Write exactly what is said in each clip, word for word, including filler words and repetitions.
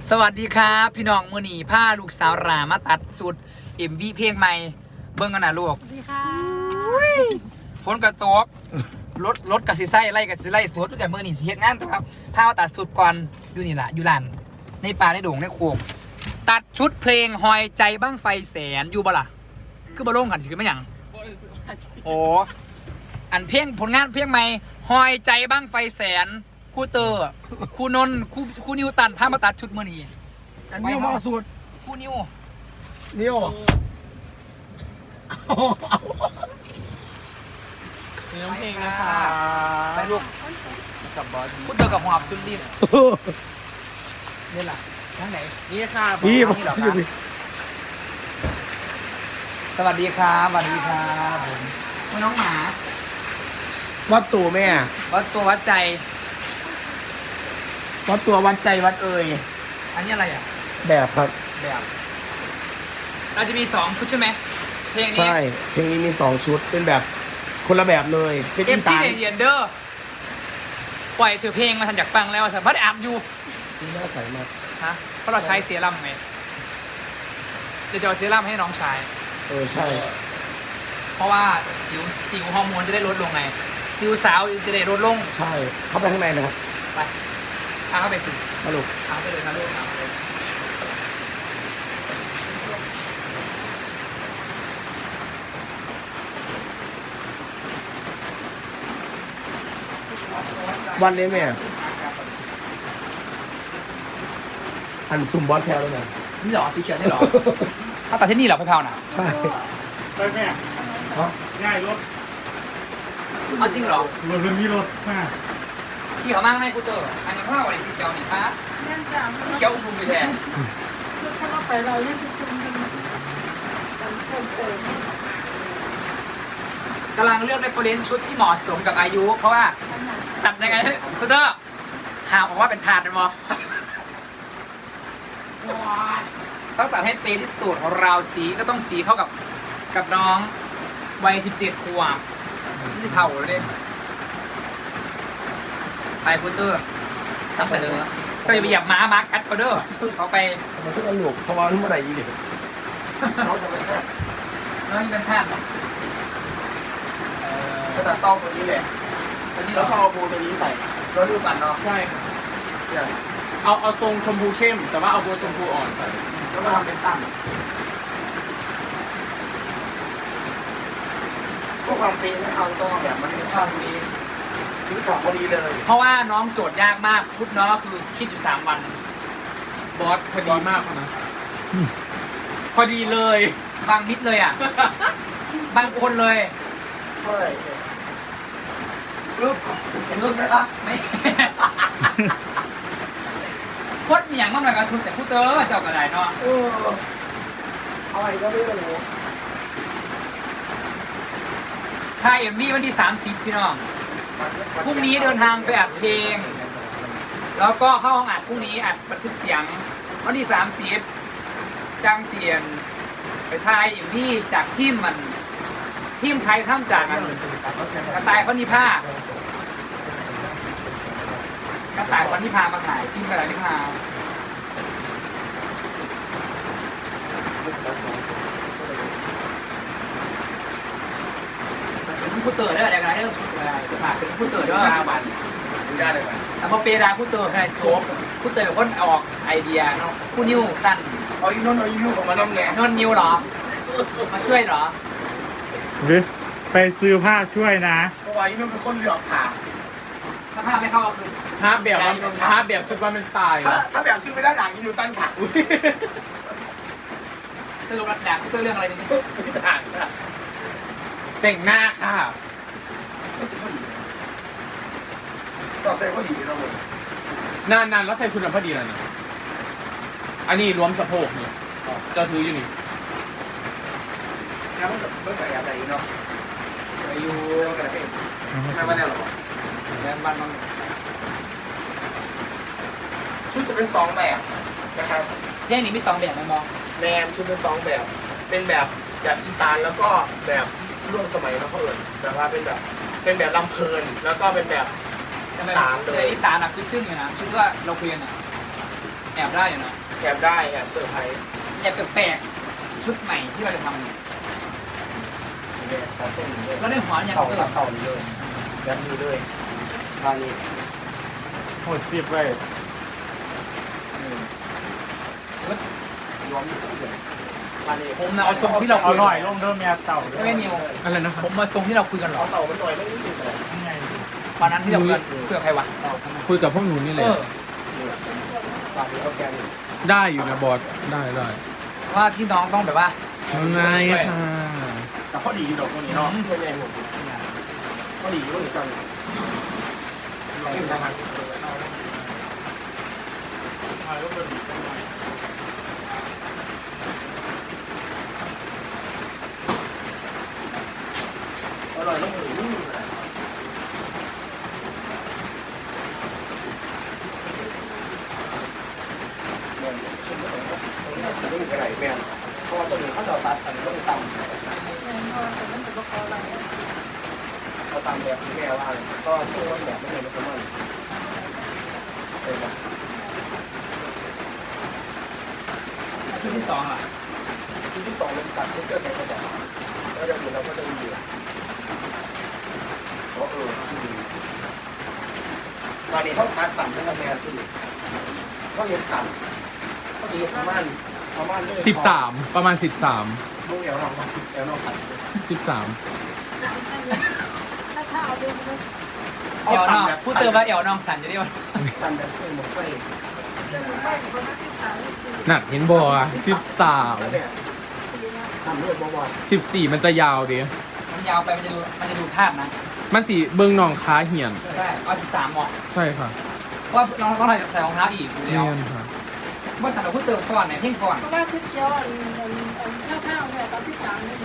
สวัสดีครับพี่น้องมือหนีผ้าลูกสาวรามาตัดสุดเอ็มวีเพลงใหม่เบิ้งกันนะลูกสวัสดีค่ะฝนกระตกรถรถกับสิไส้ไล่กับสิไล่สวดตั้งแต่มือหนีสิเฮ็ดงานครับผ้ามาตัดสุดก่อนอยู่นี่แหละอยู่ลานในป่าในดงในโขงตัดชุดเพลงหอยใจบ้างไฟแสนอยู่บ่ล่ะคือบ่ลงกันสิคือไม่หยังโอ้อันเพลงผลงานเพลงใหม่หอยใจบ้างไฟแสนคู่เตอร์คู่นนท์คู่คู่นิวตันผ้ามาตัดชุดมือหนีอันนี้มาสุดคู่นิวนิ้วมีน้องเพลงนะคะไปลูกกับบอสคู่เตอร์กับหอบจุนดินนี่แหละทางไหนนี่ค่ะพี่บมานี่เหรอคอรัยู่บพี่สวัสดีครับสวัสดีครับผมคุณน้องหมาวัดตัวแม่วัดตัววัดใจวัดตัววัดใจวัดเอ่ยอันนี้อะไรอ่ะแบบครับแบบเราจะมีสองชุดใช่ไหมเพลงนี้ใช่เพลงนี้มีสองชุดเป็นแบบคนละแบบเลยเป็นเออีฟซีสานเดียนเดอร์ปล่อยถือเพลงมาทันอยากฟังแล้วสัมผัสอัพอยู่ที่น่าใสมากฮะเพราะเราใช้เซรั่มไงเดี๋ยวจะเอาเซรั่มให้น้องชายเออใช่เพราะว่าสิวสิวฮอร์โมนจะได้ลดลงไงสิวสาวจะได้ลดลงใช่เข้าไปข้างในนะครับไปเอาเข้าไปสิมาลูกเอาไปเลยครับลูกเอาไปเลยวันเลยแม่อันซุ่มบอสแพลวเลยนะนี่เหรอสีเขียวนี่เหรอ ถ้าตัดที่นี่เหรอพี่เผาน่ะใช่ไปแม่ฮะง่ายรถเอาจริงเหรอรถเรื่องนี้รถมาขี่เขามากไหมกูเจออันนี้พ่อวันนี้สีเขียวนี่ครับนั่นจ้ะสีเขียวอุ้มไปแทนซื้อเข้ามาไปเราเล่นไปซื้อมันมันเพิ่มเติมกำลังเลือกเรฟเฟอเรนซ์ชุดที่เหมาะสมกับอายุ เพราะว่าตัดยังไงให้กูเตอร์หาบอกว่าเป็นถาดเลยมั้งต้องตัดให้เป๊ะที่สุดของเราสีก็ต้องสีเข้ากับกับน้องวัยสิบเจ็ดขวบนี่จะเท่าเลยไปกูเตอร์ทำเสนอก็จะไปเหยียบม้ามาร์คแอดออเดอร์เขาไปทำไมทุกคนหลบเพราะว่าเมื่อไหร่ยี่เด็กเขาจะไม่แค่แล้วนี่เป็นธาตุเหรอเออจะตัดต้องตัวนี้แหละตัวนี้เหรแล้อวก็เอาโบตัวนี้ใส่แล้วดูกันเนาะใช่เนี่ยเอาเอาตรงชมพูเข้ม แต่ว่าเอาโบชมพูอ่อนใส่แล้วมาทำเป็นสั้นพวกความปีไม่เอาต้องแบบมันชอบตัวนี้ซื้อของพอดีเลยเพราะว่าน้องโจทย์ยากมากชุดน้องก็คือคิดอยู่สามวันบอสพอดีมากนะ พอดีเลยบางมิดเลยอ่ะ บางคนเลยใช่รูปเห็นรูปไหมครับไม่ โคตรเหนียงมากเลยกับชุดแต่พูดเตอร์เจ้ากระไดเนาะเอออะไรก็ไม่รู้ถ่ายเอ็มวีวันที่สามสิบพี่น้องพรุ่งนี้เดินทางไปอัดเพลง แล้วก็เข้าห้องอัดพรุ่งนี้อัดบันทึกเสียงวันที่สามสิบจ้างเสียงไปถ่ายเอ็มวีจากทีมมันทีมไทยข้ามจากกันกระต่ายพนิพากระต่ายพนิพามาถ่ายทีมกระต่ายพนิพาเป็นผู้เตอร์ได้อะไรกันเรื่องจะผ่านเป็นผู้เตอร์ด้วยหน้ามันดูได้เลยมันแต่พอเปราผู้เตอร์ใครโจบผู้เตอร์เป็นคนออกไอเดียเนาะผู้นิวตันเอาอีโน่นเอาอีนู่นของมันน้ำแหนมนนนิวเหรอ มาช่วยเหรอหรือไปซื้อผ้าช่วยนะเพราะว่าอีโน่นเป็นคนเหลือกผ่าถ้าภาพไม่เข้าก็คือภาพแบบว่าภาพแบบชุดว่ามันตายถ้าถ้าแบบชื่อไม่ได้ด่างอีนิวตันค่ะสรุปรักแดกผู้เตอร์เรื่องอะไรนี่ด่างค่ะแต่งหน้าค่ะรู้สึกว่าดีต่อเซฟก็ดีนะผมนานๆแล้วใส่ชุดนั้นพอดีเลยนะอันนี้รวมสะโพกเนี่ยเจะถืออยู่นี่แล้วมันกับเมื่อไหร่อะไรเนาะอายุเรื่องกระเป็นไม่ว่าแน่หรอแรงบ้านมันชุดจะเป็นสองแบบนะครับเพลงนี้มีสองแบบไหมมองแนมชุดเป็นสองแบบ เป็นแบบแบบอีสานแล้วก็แบบร่วมสมัยนะเขาเอิญแบบว่าเป็นแบบเป็นแบบลำเพลินแล้วก็เป็นแบบอีสานเลแต่ยอีสานอ่ะคือจึ้งอยู่นะชื่อว่าเราคุยกันอ่ะแอบได้อยู่นะแอบได้แอบเซอร์ไพรส์แอบแปลกๆชุดใหม่ที่เราจะทำเนี่ยตาส้มนี่เลยแล้วในหัวอย่างเต่าเออตาเต่านี่เลยแบบนี้เลยทานี้โหดสิบเลยย้อมอยู่เลยทานี้ผมนะเอาทรงที่เราเอาคุยหน่อยลงเดิมแม่เต่าไม่นิวอะไรนะครัผบมมาทรงที่เราคุยกันหรอเอาเต่ามันหน่อยไม่รู้สึกเลยยังไงวันนั้นที่เราคุยกันคุยกับใครวะคุยกับพวกหนูนี่แหเอละอเนี่ยตานี้เอาแกนนี่ได้อยู่นะบอสได้ได้ว่าที่น้องต้องแบบว่ายังไงค่ะแต่พอดีอยู่ดอกตัวนี้เนาะตัวใหญ่หมดพอดีอยู่ตรงนี้สั่นลองทำมันอร่อยต้องถึงชุดนี้ตัวนี้จะไม่มีอะไรแม่เพราะว่าตัวนี้เขาจะตัดอันนี้ต้องตำเขาตำแบบที่แม่ว่าก็สู้แบบไม่เลยมันก็มันเป็นแบบชุดที่สองล่ะชุดที่สองเราจะตัดเสื้อแขนกระบอกแล้วเดี๋ยวเราก็จะมีเพราะเออตอนนี้เขาตัดสั่นทั้งแม่สุดเขาเห็นสั่นเขาจะเห็นประมาณประมาณเลยสิบสามประมาณสิบสามลูกเอวน้องเอวน้องสั่นสิบสามถ้าถ้าเอาดูมันเอวน้องพูดเติมว่าเอวน้องสั่นจะได้ว่าสั่นแบบเส้นหมดไปไม่ประมาณที่สามที่สี่หนักเห็นบอสิบสามสั่นด้วยบ่อยสิบสี่มันจะยาวดิมันยาวไปมันจะดูมันจะดูธาตุนะมันสีเบิ้งหนองค้าเหียนใช่เอาสิบสามเหมาะใช่ค่ะเพราะว่าน้องต้องใส่รองเท้าอีกอยู่เนีแล้วยนค่ะว่าแต่เราพูดเติมฟอนไหนเพ่งฟอนเพราะว่าชุดเขียวอันอันอันข้าวข้าวเนี่ยตอนที่สามนี่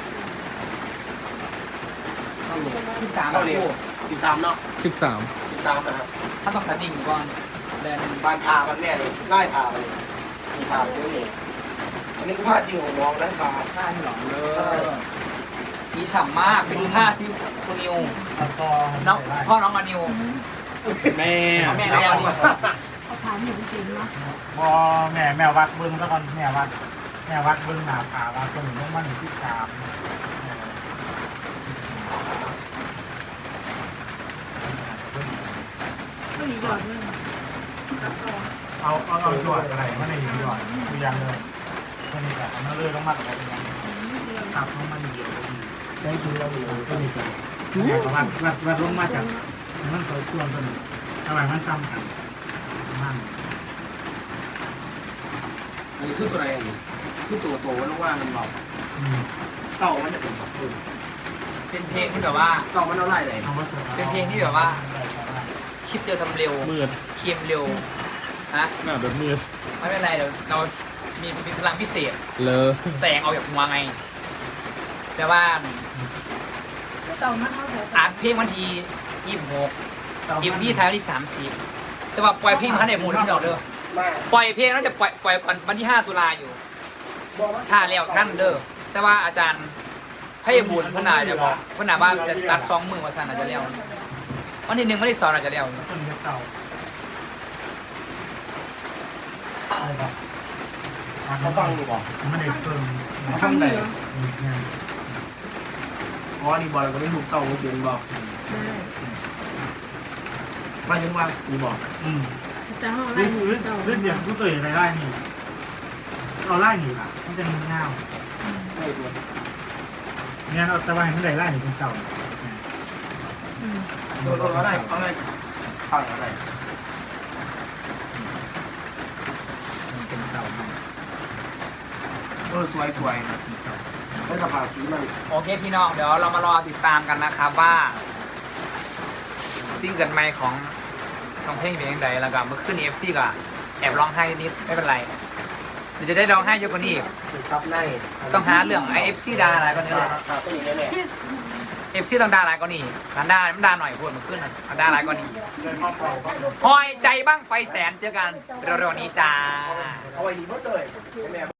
ๆสั่นเลยสิบสามเท่านี้คู่สิบสามเนาะสิบสามสิบสามนะครับถ้าต้องสดิ่งก่อนแบรนด์หนึ่งบานพามันแม่เลยไล่พามันมีพาเยอะนี่อันนี้คือผ้าจริงของน้องนะครับผ้าที่หลอเลใช่ยสีฉ่ำมากไปดูผ้าซิคุณนิวแล้วก็น้องพ่อน้องอนิวแม่แม่น้องอนิวเขาถามอย่างจริงเนาะพอแม่แม่วัดบึ้งก็ตอนแม่วัดแม่วัดบึ้งหนาผาว่าคนหนึ่งต้องมั่นที่สามไม่มีหยอดเลยเอาเอาเอาหยอดอะไรไม่ได้หยอดคือยังเลยคนนี้แบบมันเลยต้องมาอะไรอย่างเงี้ยครับเพราะมันเดียวดีได้คือเราดีก็มีกันวัดวัดวัดลงมาจากมันเคยชวนกันทำไมมันซ้ำกันมันอันนี้คือตัวอะไรอันนี้คือตัวโตแล้วว่ามันแบบเต่ามันจะเป็นแบบอื่นเป็นเพลงที่แบบว่าเต่ามันเอาไล่ไหนเป็นเพลงที่แบบว่า คิดเร็วทำเร็วมืดเคียมเร็วฮะหน้าแบบมืดไม่เป็นไรเดี๋ยวเรามีมีพลังพิเศษเลอแสงออกจากหัวไง แต่ว่าเต่ามันเขาแบบอัดเพลงวันที่ยี่สิบหกอีพีท้ายวันที่สามสิบแต่ว่าปล่อยเพลงพันในมูลที่เราเด้อมาปล่อยเพลงน่าจะปล่อยปล่อยก่อนวันที่ห้าตุลาอยู่ถ้าแล้วท่านเด้อแต่ว่าอาจารย์พยบุญพนาจะบอกพนาว่าจะตัดสองมือว่าท่านอาจจะแล้ววันที่หนึ่งวันที่สองอาจจะแล้วต้นเต่าเขาฟังอยู่บอกไม่ได้เพิ่มเขาฟังไหนอ๋อนี่บอลก็ไม่ถูกเต่าเสียงบอกมายังว่านี่บอกอืมจะห้องไล่หรือหรือเสียงผู้ตื่นอะไรไล่หนีเราไล่หนีล่ะมันจะมีเงาไม่ตัวเนี่ยเราตะวันไม่ได้ไล่หนีเป็นเต่าตัวตัวอะไรอะไรฟังอะไรเป็นเต่าเออสวยสวยให้กระพาสีมันโอเคพี่น้องเดี๋ยวเรามารอติดตามกันนะครับว่าซิงเกิลใหม่ของน้องเพลงเป็นยังไงแล้วก็เมื่อขึ้นเอฟซีก็แอบร้องไห้นิดไม่เป็นไรเดี๋ยวจะได้ร้องไห้เยอะกว่านี้อีกเป็นซับในต้องหาเรื่องไอเอฟซีดาอะไรก็นี้เลยหาตัวนี้แน่เอฟซีต้องดาอะไรก็นี่มันดามันดาหน่อยพูดมันขึ้นมันดาอะไรก็นี่เลยมอบเต่าก็คอยใจบ้างไฟแสนเจอกันเร็วๆนี้จ้าๆเอาไว้ดีหมดเลยแม่